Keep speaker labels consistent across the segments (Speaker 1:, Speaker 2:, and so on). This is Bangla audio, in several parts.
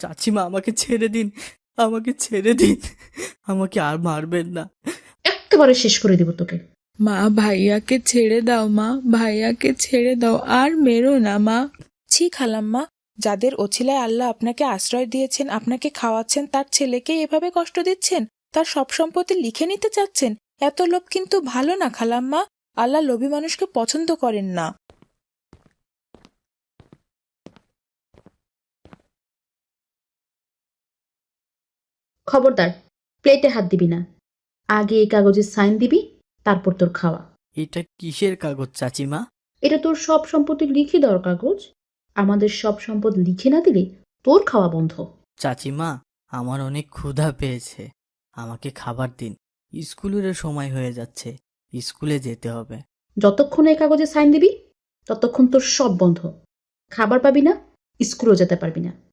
Speaker 1: চাচিমা আমাকে ছেড়ে দিন, আমাকে ছেড়ে দিন, আমাকে আর মারবেন না।
Speaker 2: একেবারে শেষ করে দিব তোকে।
Speaker 3: মা, ভাইয়াকে ছেড়ে দাও মা, ভাইয়াকে ছেড়ে দাও, আর মেরো না মা। ছি খালাম্মা, যাদের ওছিলায় আল্লাহ আপনাকে আশ্রয় দিয়েছেন, আপনাকে খাওয়াচ্ছেন, তার ছেলেকে এভাবে কষ্ট দিচ্ছেন, তার সব সম্পত্তি লিখে নিতে চাচ্ছেন। এত লোভ কিন্তু ভালো না খালাম্মা। আল্লাহ লোভী মানুষকে পছন্দ করেন না।
Speaker 2: খবরদার, প্লেটে হাত দিবি না। আগে এই কাগজে সাইন দিবি, তারপর তোর খাওয়া।
Speaker 1: এটা কিসের কাগজ চাচিমা?
Speaker 2: এটা তোর সব সম্পত্তি লিখে দেওয়ার কাগজ। আমাদের সব সম্পদ লিখে না দিলে তোর খাওয়া বন্ধ।
Speaker 1: চাচিমা, আমার অনেক ক্ষুধা পেয়েছে, আমাকে খাবার দিন। স্কুলের সময় হয়ে যাচ্ছে, স্কুলে যেতে হবে।
Speaker 2: যতক্ষণ এই কাগজে সাইন দিবি ততক্ষণ তোর সব বন্ধ। খাবার পাবি না, স্কুলেও যেতে পারবি না।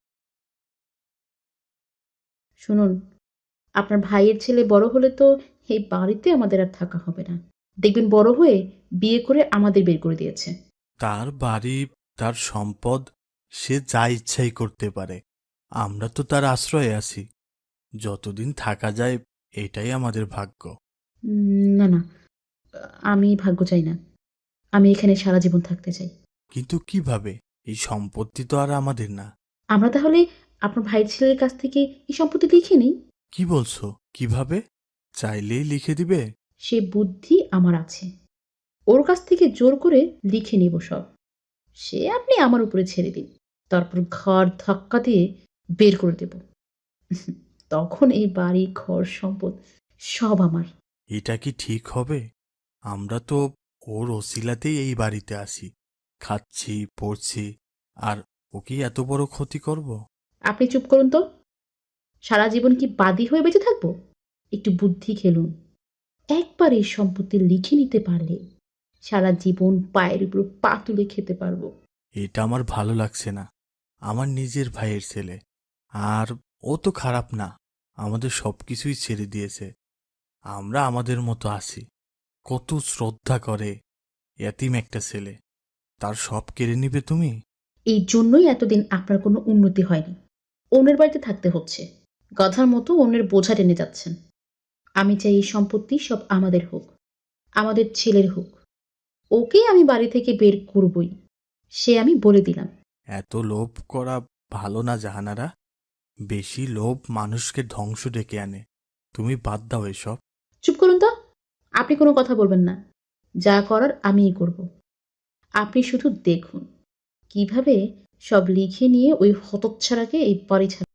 Speaker 2: শুনুন, আপনার ভাইয়ের ছেলে বড় হলে তো এই বাড়িতে আমাদের আর থাকা হবে না। দেখবেন বড় হয়ে বিয়ে করে আমাদের বের করে দিয়েছে।
Speaker 4: তার বাড়ি, তার সম্পদ, সে যা ইচ্ছাই করতে পারে। আমরা তো তার আশ্রয়ে আছি। যতদিন থাকা যায় এটাই আমাদের ভাগ্য।
Speaker 2: না না, আমি ভাগ্য চাই না। আমি এখানে সারা জীবন থাকতে চাই।
Speaker 4: কিন্তু কিভাবে? এই সম্পত্তি তো আর আমাদের না।
Speaker 2: আমরা তাহলে আপনার ভাইয়ের ছেলের কাছ থেকে এই সম্পত্তি লিখে নিই।
Speaker 4: কি বলছো? কিভাবে? চাইলেই লিখে দিবে?
Speaker 2: সে বুদ্ধি আমার আছে। ওর কাছ থেকে জোর করে লিখে নিব সব। সে আপনি আমার উপরে ছেড়ে দিন, তারপর ঘর ধাক্কা দিয়ে বের করে দেব। তখন এই বাড়ি ঘর সম্পদ সব আমার।
Speaker 4: এটা কি ঠিক হবে? আমরা তো ওর ওসিলাতেই এই বাড়িতে আসি, খাচ্ছি, পড়ছি, আর ওকে এত বড় ক্ষতি করব?
Speaker 2: আপনি চুপ করুন তো। সারা জীবন কি বাদী হয়ে বেঁচে থাকবো? একটু বুদ্ধি খেলুন। একবার এই সম্পত্তি লিখে নিতে পারলে সারা জীবন পায়ের উপর পা তুলে খেতে পারবো।
Speaker 4: এটা আমার ভালো লাগছে না। আমার নিজের ভাইয়ের ছেলে, আর ও তো খারাপ না। আমাদের সবকিছুই ছেড়ে দিয়েছে। আমরা আমাদের মতো আছি। কত শ্রদ্ধা করে। এতিম একটা ছেলে, তার সব কেড়ে নিবে তুমি?
Speaker 2: এই জন্যই এতদিন আপনার কোনো উন্নতি হয়নি। অন্যের বাড়িতে থাকতে হচ্ছে। গাধার মতো অন্যের বোঝা টেনে যাচ্ছেন। আমি চাই এই সম্পত্তি সব আমাদের হোক, আমাদের ছেলের হোক। ওকে আমি বাড়ি থেকে বের করবই, সে আমি বলে দিলাম।
Speaker 4: এত লোভ করা ভালো না জাহানারা। বেশি লোভ মানুষকে ধ্বংস ডেকে আনে। তুমি বাদ দাও এসব।
Speaker 2: চুপ করুন তো। আপনি কোনো কথা বলবেন না। যা করার আমিই করব। আপনি শুধু দেখুন কিভাবে সব লিখে নিয়ে ওই হতচ্ছাড়াকে এই বাড়ি ছাড়া